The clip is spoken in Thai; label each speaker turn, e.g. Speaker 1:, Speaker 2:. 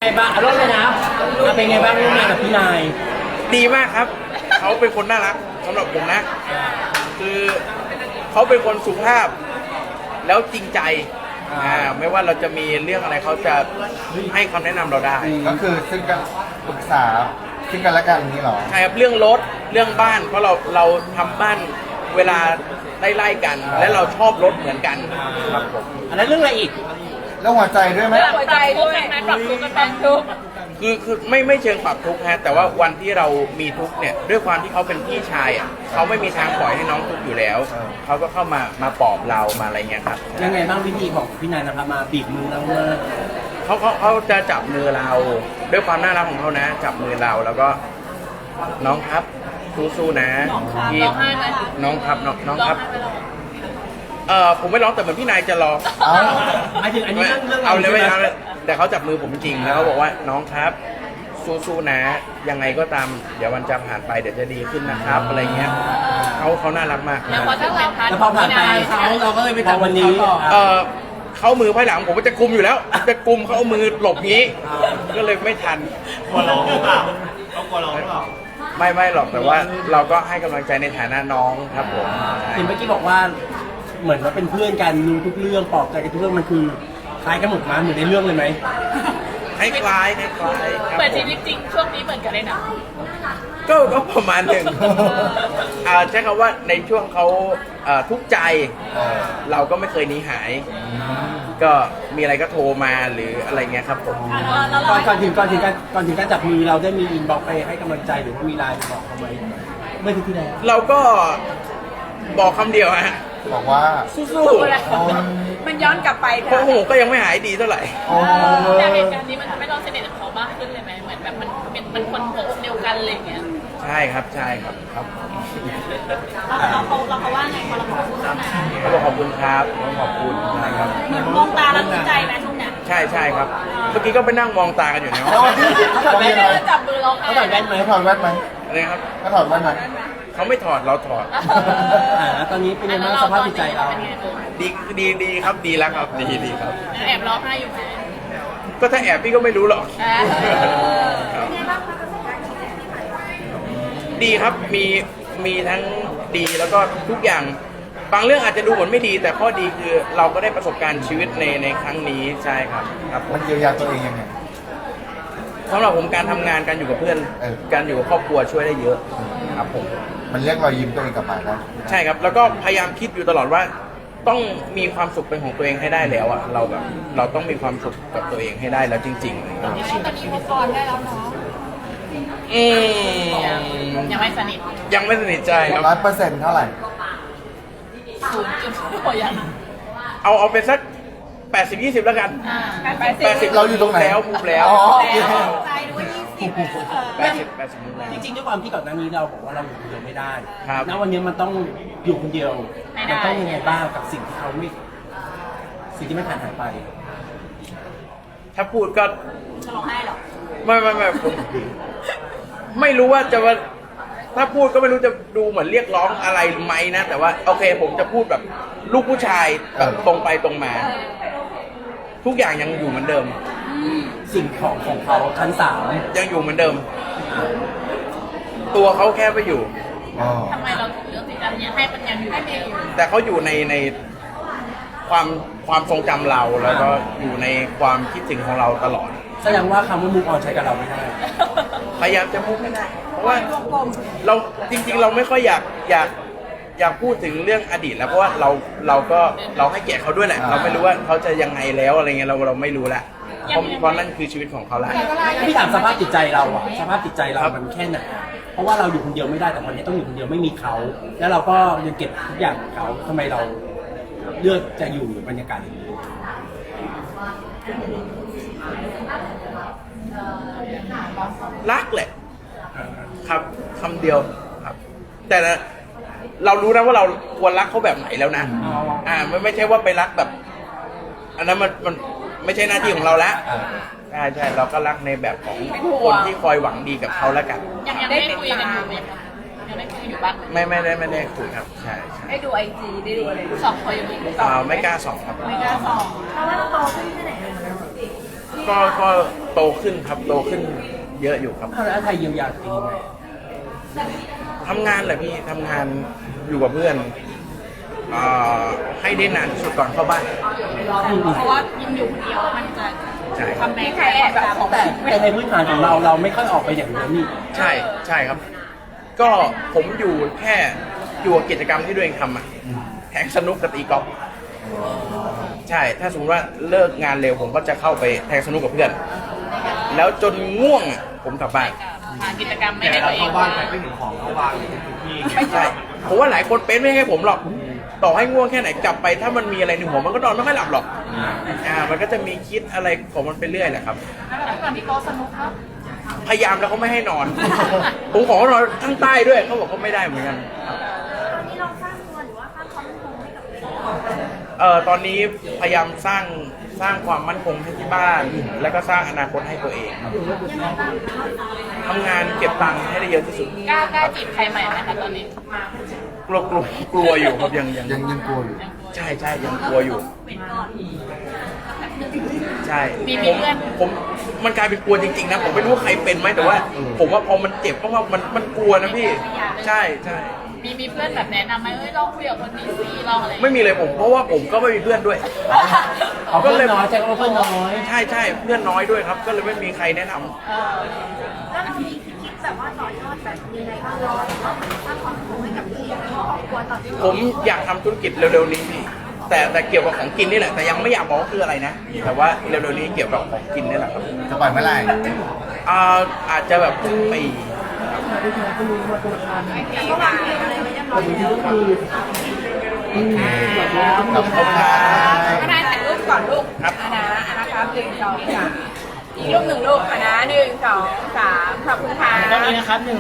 Speaker 1: ไงบ้างอารมณ์เลยนะเป็นไงบ้างร่วมงานกับพี่นาย
Speaker 2: ดีมากครับเขาเป็นคนน่ารักสำหรับผมนะคือเขาเป็นคนสุภาพแล้วจริงใจไม่ว่าเราจะมีเรื่องอะไรเขาจะให้คำแนะนำเราได้
Speaker 3: ก็คือซึ่งกันปรึกษาซึ่งกันและกันนี่หรอ
Speaker 2: ใช่ครับเรื่องรถเรื่องบ้านเพราะเราทำบ้านเวลาไล่กันและเราชอบรถเหมือนกันครับผม
Speaker 1: อันนั้นเรื่องอะไรอีก
Speaker 3: แล้วหัวใจด้วยไหม
Speaker 4: หัวใจด้วยปรับทุกข์กันปรับทุกข์
Speaker 2: คือไม่เชิงปรับทุกข์ฮะแต่ว่าวันที่เรามีทุกข์เนี่ยด้วยความที่เขาเป็นพี่ชายอ่ะเขาไม่มีทางปล่อยให้น้องทุกข์อยู่แล้วเขาก็เข้ามาปลอบเรามาอะไรเงี้ยครับ
Speaker 1: ยังไงบ้างวิธีของพี่นายนะครับมาบีบมือเรา
Speaker 2: เขาจะจับมือเราด้วยความน่ารักของเขานะจับมือเราแล้วก็น้องครับสู้ๆนะ
Speaker 4: ที่
Speaker 2: น้องครับน้องครับผมไม่ร้องแต่เหมือนพี่นายจะร้อง
Speaker 1: หมายถึงอันนี้เรื่อง
Speaker 2: เอาเลยไม่เอาเลยแต่เขาจับมือผมจริงแล้วเขาบอกว่าน้องครับสู้ๆนะยังไงก็ตามเดี๋ยววันจะผ่านไปเดี๋ยวจะดีขึ้นนะครับอะไรเงี้ยเขาน่ารักมาก
Speaker 4: แล้วพอถึงเป็นพัน
Speaker 1: แล้วพอผ่านไปเราก็เลยไปทำวันนี้
Speaker 2: เขามือภายหลังผมก็จะกุมอยู่แล้วจะกุมเขาเอามือหลบงี้ก็เลยไม่ทัน
Speaker 5: กลัวร้องหรือเปล่าเขากลัวร้องหรือเปล่า
Speaker 2: ไม่หรอกแต่ว่าเราก็ให้กำลังใจในฐานะน้องครับผม
Speaker 1: เห็นเมื่อกี้บอกว่าเหมือนว่าเป็นเพื่อนกันรู้ทุกเรื่องปลอบใจกันทุกเรื่องมันคือคล้ายกันหมดมาเหมือนในเรื่องเลยไหม
Speaker 2: คล้าย
Speaker 4: เหมือนชีวิตจริงช่วงนี้เหมือนกันเลยนะ
Speaker 2: ก็ประมาณหนึ่งใช้คำว่าในช่วงเขาทุกข์ใจเราก็ไม่เคยหนีหายก็มีอะไรก็โทรมาหรืออะไรเงี้ยครับผม
Speaker 1: ก่อนถึงการจับมือเราได้มีอินบ็อกซ์ไปให้กำลังใจหรือว่ามีไลน์บอกเขาไหมเมื่อที่แล้ว
Speaker 2: เราก็บอกคำเดียวฮะ
Speaker 3: บอกว่า
Speaker 2: สู้
Speaker 4: ๆมันย้อนกลับไป
Speaker 2: เพราะหูก็ยังไม่หายดีเท่าไหร่
Speaker 4: แต่เหตุการณ์นี้มันทำให้เราสนิทกับเขามากขึ้นเลยไหมเหมือนแบบมันคนหัวอกเดียวกันอะไรอย่างเงี้ย
Speaker 2: ใช่ครับ
Speaker 4: เราว่าไงพอเราบอกเขา
Speaker 2: เขาบอกขอบคุณครับขอบคุณนะครับ
Speaker 4: เหมือนมองตาแล้วดีใจไหมทุกเนี่ย
Speaker 2: ใช่ครับเมื่อกี้ก็ไปนั่งมองตากันอยู่ในห้อง
Speaker 4: เขาถอดแว่นไหมจับมือเรา
Speaker 1: เขาถอดแว่นไหม
Speaker 3: เขาถอดแว่นไหม
Speaker 2: อะไรครับ
Speaker 3: เขาถอดแว่นไหม
Speaker 2: เขาไม่ถอดเราถอด
Speaker 1: ตอนนี้เป็นยังไงสภาพจิตใจเรา
Speaker 2: ดีครับดีแล้วครับดีครับ
Speaker 4: แอบร้องไห้อยู่ไหม
Speaker 2: ก็ถ้าแอบพี่ก็ไม่รู้หรอกดีครับมีทั้งดีแล้วก็ทุกอย่างบางเรื่องอาจจะดูเหมือนไม่ดีแต่ข้อดีคือเราก็ได้ประสบการณ์ชีวิตในครั้งนี้ใช่ครับ
Speaker 3: มันเยียวยาตัวเองยังไง
Speaker 2: สำหรับผมการทำงานการอยู่กับเพื่อนการอยู่กับครอบครัวช่วยได้เยอะครับผม
Speaker 3: มันเรียกรอยยิ้มตัวเองกลับมาได้
Speaker 2: ใช่ครับแล้วก็พยายามคิดอยู่ตลอดว่าต้องมีความสุขเป็นของตัวเองให้ได้แล้วอ่ะเราต้องมีความสุขกับตัวเองให้ได้แล้วจริงๆ
Speaker 4: ตอนนี้มุกออนได้แล้วเนาะยังไม่ส
Speaker 2: นิทใจครับ
Speaker 3: 100%เท่าไหร่
Speaker 4: 0.ยัง
Speaker 2: เอาเป็นสัก80-20แล้วกัน
Speaker 3: 80เราอยู่ตรงไหน
Speaker 2: แล้วพูดแล้ว
Speaker 1: จริงๆด้วยความที่ก่อนหน้านี้เราบอกว่าเราอยู่คนเดียวไม่ได้ณวันนี้มันต้องอยู่คนเดียวมันต้องยังไงบ้างกับสิ่งที่ไม่ผ่านหายไป
Speaker 2: ถ้าพูดก็
Speaker 4: จะร้องไห้หรอ
Speaker 2: ไม่ผมไม่รู้ว่าจะว่าถ้าพูดก็ไม่รู้จะดูเหมือนเรียกร้องอะไรไหมนะแต่ว่าโอเคผมจะพูดแบบลูกผู้ชายแบบตรงไปตรงมาทุกอย่างยังอยู่เหมือนเดิม
Speaker 1: สิ่งของเขาชั้น3
Speaker 2: ยังอยู่เหมือนเดิมตัวเขาแค่ไปอยู่
Speaker 4: ทำไมเราถึงเลือกที่จะให้มันยังอยู่
Speaker 2: แต่เขาอยู่ในความทรงจำเราแล้วก็อยู่ในความคิดถึงของเราตลอด
Speaker 1: แสดงว่าคำว่ามุกออนใช้กับเราไม่ได้
Speaker 2: พยายามจะมุกไม่ได้เพราะว่าเราจริงๆเราไม่ค่อยอยากพูดถึงเรื่องอดีตแล้วเพราะว่าเราให้เกียรติเขาด้วยแหละเราไม่รู้ว่าเขาจะยังไงแล้วอะไรเงี้ยเราไม่รู้ละเพราะนั่นคือชีวิตของเขาแหละ
Speaker 1: พี่ถามสภาพจิตใจเราอะสภาพจิตใจเรามันแค่ไหนเพราะว่าเราอยู่คนเดียวไม่ได้แต่วันนี้ต้องอยู่คนเดียวไม่มีเขาแล้วเราก็ยังเก็บทุกอย่างของเขาทำไมเราเลือกจะอยู่บรรยากาศอย่างนี้
Speaker 2: รักแหละครับคำเดียวครับแต่เรารู้นะว่าเราควรรักเขาแบบไหนแล้วนะไม่ใช่ว่าไปรักแบบอันนั้นมันไม่ใช่หน้าที่ของเราแล้วใช่เราก็รักในแบบของคนที่คอยหวังดีกับเขาแล้วกัน
Speaker 4: ยังได้คุยกันอยู่ไหมคะยังได้คุยอยู่บ้าง
Speaker 2: ไม่ได้คุยครับใช่
Speaker 4: ได้ดูIGได้ดูอะไร2 คนอยู่
Speaker 2: ไม่กล้า2ครับ
Speaker 4: ไม่กล้า2เพราะว่าเราโตขึ้นแค่ไหนที่
Speaker 2: ก็โตขึ้นครับโตขึ้นเยอะอยู่ครับ
Speaker 1: เอาแล้วไทยเยียวยาตัวเองยังไง
Speaker 2: ทำงานแหละพี่ทำงานอยู่กับเพื่อนให้ได้นานที่สุดก่อนเข้าบ้าน
Speaker 4: เพราะว่ายิ่งอยู่คนเดียวมันจะ
Speaker 2: ใช่
Speaker 4: ทำแม่แค่แบบของ
Speaker 1: แต่ในพื้นฐานของเราไม่ค่อยออกไปอย่างนั้นนี่
Speaker 2: ใช่ครับ ก็ผมอยู่แค่อยู่กับกิจกรรมที่ตัวเองทำอะแทงสนุกกับตีกอล์ฟใช่ถ้าสมมติว่าเลิกงานเร็วผมก็จะเข้าไปแทงสนุกกับเพื่อน แล้วจนง่วงอะผมกลับบ้าน
Speaker 4: หากิจกรรมไม่
Speaker 5: แต่
Speaker 4: ได้
Speaker 5: เรา
Speaker 4: ตัวเอ
Speaker 5: เข้าง บ้านไปไม่ถึงของเขาวางอยู่ทุกที่
Speaker 2: ไม่ใช่ผมว่าหลายคนเป็นไม่ใช่ผมหรอก ต่อให้ง่วงแค่ไหนกลับไป ถ้ามันมีอะไรในหัวมันก็นอนไม่ค่อยหลับหรอกมันก็จะมีคิดอะไรของมันไปเรื่อยแหละครับ
Speaker 4: แล้วก่อนที่โต๊ะสนุกครับ
Speaker 2: พยายามแล้วเขาไม่ให้นอน ผมขอเขานอนข้างใต้ด้วยเขาบอกเขาไม่ได้เหมือนกันตอนนี้พยายามสร้างความมั่นคงให้ที่บ้าน แล้วก็สร้างอนาคตให้ตัวเองทำงานเก็บตังค์ให้ได้เยอะที่สุด
Speaker 4: กล้าจีบใครใหม่ไหมคะตอนนี้
Speaker 2: กลัวอยู่ครับยัง
Speaker 3: ยังกลัวอยู่
Speaker 2: ใช่ยังกลัวอยู่ใช่
Speaker 4: มีเพื่อน
Speaker 2: ผมมันกลายเป็นกลัวจริงๆนะผมไม่รู้ว่าใครเป็นไหมแต่ว่า ผมว่าพอมันเจ็บเพราะว่ามันกลัวนะพี่ใช่
Speaker 4: มีเพื่อนแบบแนะนำไหมลองคุยกับคนนี้สิลองอะไร
Speaker 2: ไม่มีเลยผมเพราะว่าผมก็ไม่มีเพื่อนด้วย
Speaker 1: เอาเพื่อนน้อยแจ็คเอาเพื่อนน้อย
Speaker 2: ใช่เพื่อนน้อยด้วยครับ ก็เลยไม่มีใครแนะนำ
Speaker 6: แล้วเรามีคิดแบบว่าต่อยอดแบบยังไงบ้างเราหรือว่าเหมือนสร้างความสุขให้กับตัวเองและครอบครัวต่อที่
Speaker 2: ผมอยากทำธุรกิจเร็วๆนี้พี่แต่เกี่ยวกับของกินนี่แหละแต่ยังไม่อยากบอกว่าคืออะไรนะแต่ว่าเร็วๆนี้เกี่ยวกับของกินนี่แหละครับ
Speaker 3: จะปล่อยเมื่อไหร่
Speaker 2: อาจจะแบบปี
Speaker 6: ก็วางเพลงอะไรไว้เรียบร้อยแล้ว
Speaker 3: ขอบคุณครับ
Speaker 7: คณะถ่ายรูปก่อนลูก
Speaker 2: ครับ
Speaker 7: คณะนะครับ1 2 3อีกรูปหนึ่งลูกคณะ1 2 3ขอบคุณค่ะ
Speaker 1: ตรงนี้นะครับ